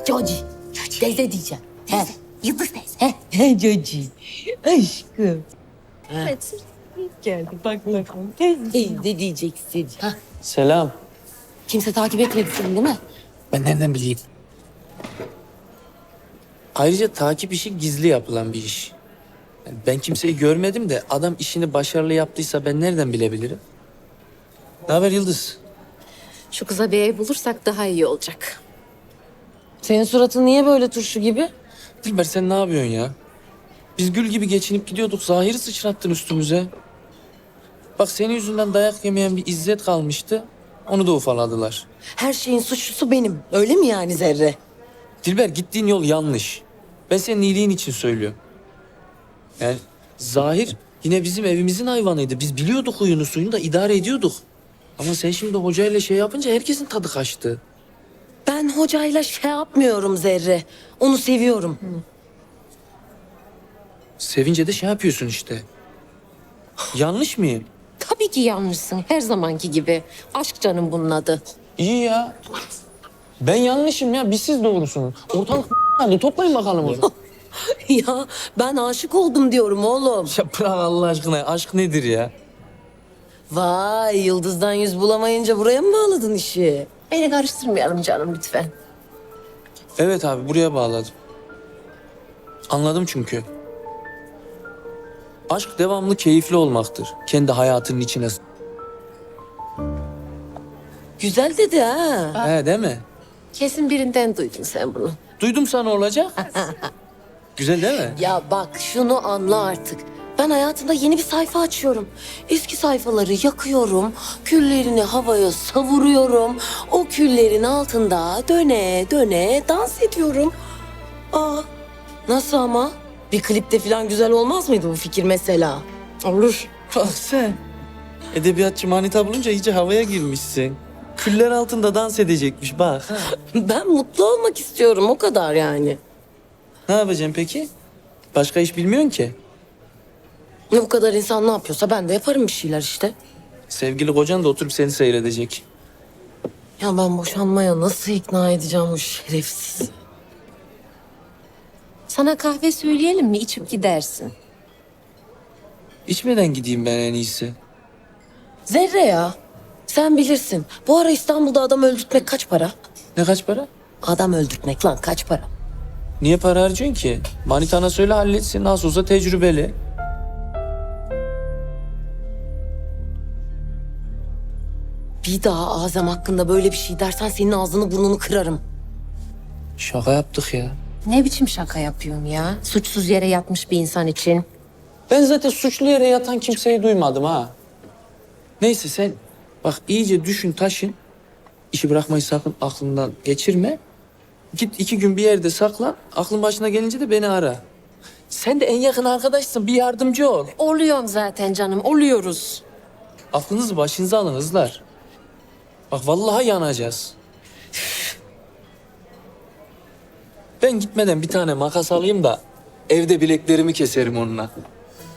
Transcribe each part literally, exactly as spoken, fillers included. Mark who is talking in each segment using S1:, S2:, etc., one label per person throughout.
S1: Coci. Teyze diyeceğim. He.
S2: Yıldız teyze.
S1: He. He Coci. Aşkım.
S2: Evet.
S1: Geldi bak bakalım. Teyze diyeceksin. Ha.
S3: Selam.
S1: Kimse takip etmedi seni değil mi?
S3: Ben nereden bileyim? Ayrıca takip işi gizli yapılan bir iş. Yani ben kimseyi görmedim de adam işini başarılı yaptıysa ben nereden bilebilirim? Ne haber Yıldız?
S2: Şu kıza bir ev bulursak daha iyi olacak.
S1: Senin suratın niye böyle turşu gibi?
S3: Dilber sen ne yapıyorsun ya? Biz gül gibi geçinip gidiyorduk. Zahiri sıçrattın üstümüze. Bak senin yüzünden dayak yemeyen bir İzzet kalmıştı. Onu da ufaladılar.
S1: Her şeyin suçlusu benim. Öyle mi yani Zerre?
S3: Dilber gittiğin yol yanlış. Ben senin iyiliğin için söylüyorum. Yani Zahir yine bizim evimizin hayvanıydı. Biz biliyorduk huyunu suyunu da idare ediyorduk. Ama sen şimdi hocayla şey yapınca herkesin tadı kaçtı.
S1: Ben hocayla şey yapmıyorum Zerre. Onu seviyorum.
S3: Sevince de şey yapıyorsun işte. Yanlış mıyım?
S2: Tabii ki yanlışsın her zamanki gibi. Aşk canım bunun adı.
S3: İyi ya. Ben yanlışım ya. Biz siz doğrusunuz. Ortalık hadi toplayın bakalım o zaman.
S1: Ya ben aşık oldum diyorum oğlum.
S3: Ya bırak Allah aşkına. Aşk nedir ya?
S1: Vay yıldızdan yüz bulamayınca buraya mı bağladın işi?
S2: Beni karıştırmayalım canım lütfen.
S3: Evet abi buraya bağladım. Anladım çünkü. Aşk devamlı keyifli olmaktır. Kendi hayatının içine. s-
S1: Güzel dedi ha.
S3: He değil mi?
S2: Kesin birinden duydun sen bunu.
S3: Duydum sana olacak. Güzel değil mi?
S1: Ya bak şunu anla artık. Ben hayatımda yeni bir sayfa açıyorum. Eski sayfaları yakıyorum, küllerini havaya savuruyorum. O küllerin altında döne döne dans ediyorum. Aa, nasıl ama? Bir klipte falan güzel olmaz mıydı bu fikir mesela?
S2: Olur.
S3: Bak sen. Edebiyatçı manita bulunca iyice havaya girmişsin. Küller altında dans edecekmiş bak.
S1: Ben mutlu olmak istiyorum o kadar yani.
S3: Ne yapacaksın peki? Başka iş bilmiyorsun ki.
S1: Ne bu kadar insan ne yapıyorsa ben de yaparım bir şeyler işte.
S3: Sevgili kocan da oturup seni seyredecek.
S1: Ya ben boşanmaya nasıl ikna edeceğim o şerefsiz?
S2: Sana kahve söyleyelim mi içip gidersin.
S3: İçmeden gideyim ben en iyisi.
S1: Zerre ya. Sen bilirsin. Bu ara İstanbul'da adam öldürtmek kaç para?
S3: Ne kaç para?
S1: Adam öldürtmek lan kaç para?
S3: Niye para harcıyorsun ki? Manitana söyle halletsin. Nasıl olsa tecrübeli.
S1: Bir daha Azem hakkında böyle bir şey dersen senin ağzını burnunu kırarım.
S3: Şaka yaptık ya.
S2: Ne biçim şaka yapıyorsun ya? Suçsuz yere yatmış bir insan için.
S3: Ben zaten suçlu yere yatan kimseyi duymadım ha. Neyse sen bak iyice düşün taşın. İşi bırakmayı sakın aklından geçirme. Git iki gün bir yerde saklan. Aklın başına gelince de beni ara. Sen de en yakın arkadaşsın. Bir yardımcı ol.
S2: Oluyorum zaten canım, oluyoruz.
S3: Aklınızı başınıza alın hızlar. Bak vallahi yanacağız. Ben gitmeden bir tane makas alayım da evde bileklerimi keserim onunla.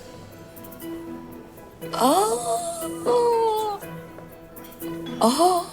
S1: Aa, aa,